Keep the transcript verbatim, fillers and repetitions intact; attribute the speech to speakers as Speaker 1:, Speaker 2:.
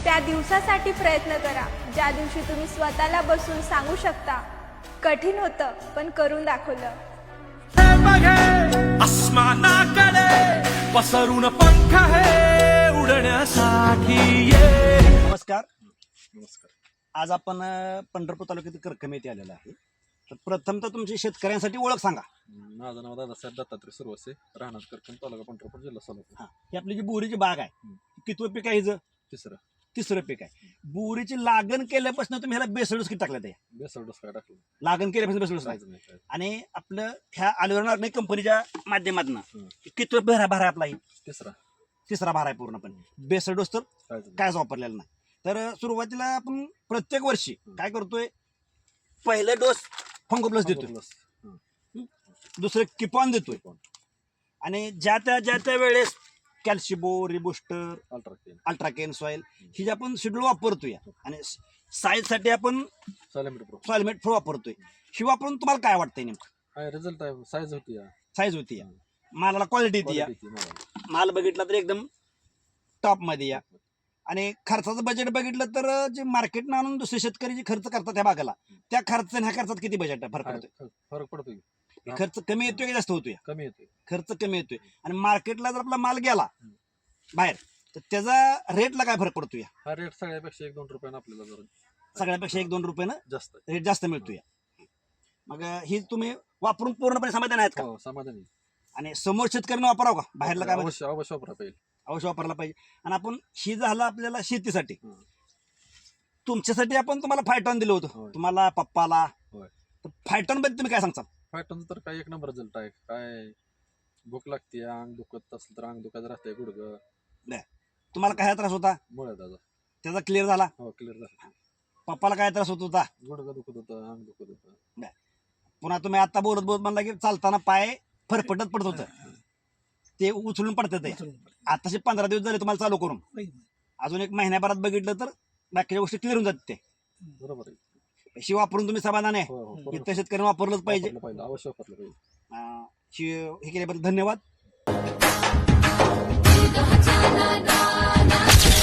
Speaker 1: त्या दिवसासाठी प्रयत्न करा ज्या दिवशी तुम्ही स्वतःला बसून सांगू शकता, कठीण होतं पण करून दाखवलं.
Speaker 2: आसमानाकडे पसरून पंख आहे उडण्यासाठी ये.
Speaker 3: नमस्कार. नमस्कार. आज आपण अ, पंढरपूर तालुक्यातील करकम येथे आलेलो आहे. तर प्रथम तर तुमची शेतकऱ्यांसाठी ओळख सांगा.
Speaker 4: माझं नाव दादासाहेब दत्तात्रय सुरवसे, राहणार करकम, तालुका पंढरपूर, जिल्हा सोलापूर.
Speaker 3: हा, ही आपली जी बोरीची बाग आहे, कितवं पीक आहे हिचं?
Speaker 4: तिसरं
Speaker 3: तिसरं पीक आहे. बोरीची लागण केल्यापासून तुम्ही ह्याला बेसळूस किती टाकलं? ते
Speaker 4: बेसळ डोस काय टाकलं
Speaker 3: लागण केल्यापासून बेसळूस
Speaker 4: काहीच नाही काय.
Speaker 3: आणि आपलं ह्या अलिवर ऑर्गॅनिक कंपनीच्या माध्यमातून
Speaker 4: हम्म.
Speaker 3: कितवं भरा भरा आपला ही?
Speaker 4: तिसरा
Speaker 3: तिसरा भार आहे पूर्णपणे. बेसळ डोस तर
Speaker 4: काहीच नाही.
Speaker 3: कायच वापरलेला नाही. तर अ, सुरुवातीला आपण प्रत्येक वर्षी काय करतोय, पहिला डोस फंगो प्लस देतोय,
Speaker 4: प्लस. हं.
Speaker 3: दुसरं किपॉन देतोय,
Speaker 4: कोण?
Speaker 3: आणि ज्या त्या ज्या त्या वेळेस कॅल्शिबो, रिबुस्टर,
Speaker 4: अल्ट्राकेन,
Speaker 3: अल्ट्राकेन सॉइल ही जे आपण शेड्यूल वापरतोय, आणि साईज साठी आपण
Speaker 4: सॉलिमिटर प्रो.
Speaker 3: सॉइलमेट फ्रो वापरतोय. ही वापरून तुम्हाला काय वाटतंय नेमकं?
Speaker 4: काय रिझल्ट आहे, साईज होती या.
Speaker 3: साईज होती या, मालाला क्वालिटी येते या,
Speaker 4: Quality ती मला.
Speaker 3: माल बघितला तर एकदम टॉप मध्ये या, आणि खर्चाचं बजेट बघितलं तर जे मार्केट आणून दुसरे शेतकरी जे खर्च करतात त्या बागाला, त्या खर्च ह्या खर्चात किती बजेट फरक
Speaker 4: काय
Speaker 3: पडतोय?
Speaker 4: फरक पडतोय,
Speaker 3: खर्च कमी येतोय की जास्त होतोय?
Speaker 4: कमी येतोय.
Speaker 3: खर्च कमी येतोय. आणि मार्केटला जर आपला माल गेला बाहेर तर त्याचा रेटला काय फरक पडतोय?
Speaker 4: हा रेट सगळ्यापेक्षा एक दोन रुपयानं आपल्याला जरा
Speaker 3: सगळ्यापेक्षा एक दोन रुपयानं
Speaker 4: जास्त आहे.
Speaker 3: रेट जास्त मिळतोय. मग ही तुम्ही वापरून पूर्णपणे समाधान आहेत का?
Speaker 4: हो, समाधानी.
Speaker 3: आणि समोर शेतकऱ्यांना वापरावं का? बाहेरला काय म्हणजे
Speaker 4: अवश्य अवश्य वापरा पाहिजे.
Speaker 3: अवश्य वापरायला पाहिजे. आणि आपण ही झालं आपल्याला शेतीसाठी,
Speaker 4: हं.
Speaker 3: तुमच्यासाठी आपण तुम्हाला फायटॉन दिलं होतं,
Speaker 4: होय.
Speaker 3: तुम्हाला पप्पाला.
Speaker 4: होय.
Speaker 3: तर फायटॉन बद्दल तुम्ही काय सांगताल?
Speaker 4: फॅटनचं तर काय एक नंबर रिझल्ट आहे. काय भूक लागते, अंग दुखत असलं तर अंग दुखत राहतंय, गुडघं
Speaker 3: तुम्हाला काय त्रास होता
Speaker 4: मुळे त्याचा.
Speaker 3: त्याचा क्लिअर झाला?
Speaker 4: हो, क्लिअर झालं.
Speaker 3: पप्पाला काय त्रास होत होता?
Speaker 4: गुडघं दुखत होतं, अंग दुखत होतं.
Speaker 3: पुन्हा तुम्ही आता बोलत बोलत म्हणला की चालताना पाय फरफटत पडत होतं, ते उचलून पडतं. ते आताशे पंधरा दिवस झाले तुम्हाला चालू करून, अजून एक महिन्याभरात बघितलं तर बाकीच्या गोष्टी क्लिअर होऊन जातात. ते
Speaker 4: बरोबर आहे.
Speaker 3: शी वापरून तुम्ही समाधान आहे?
Speaker 4: हो, हो, बरोबर.
Speaker 3: इतर शेतकऱ्यांनी वापरलंच पाहिजे.
Speaker 4: वापरलं पाहिजे, अवश्य वापरलं पाहिजे.
Speaker 3: अं, शी- हे केल्याबद्दल धन्यवाद.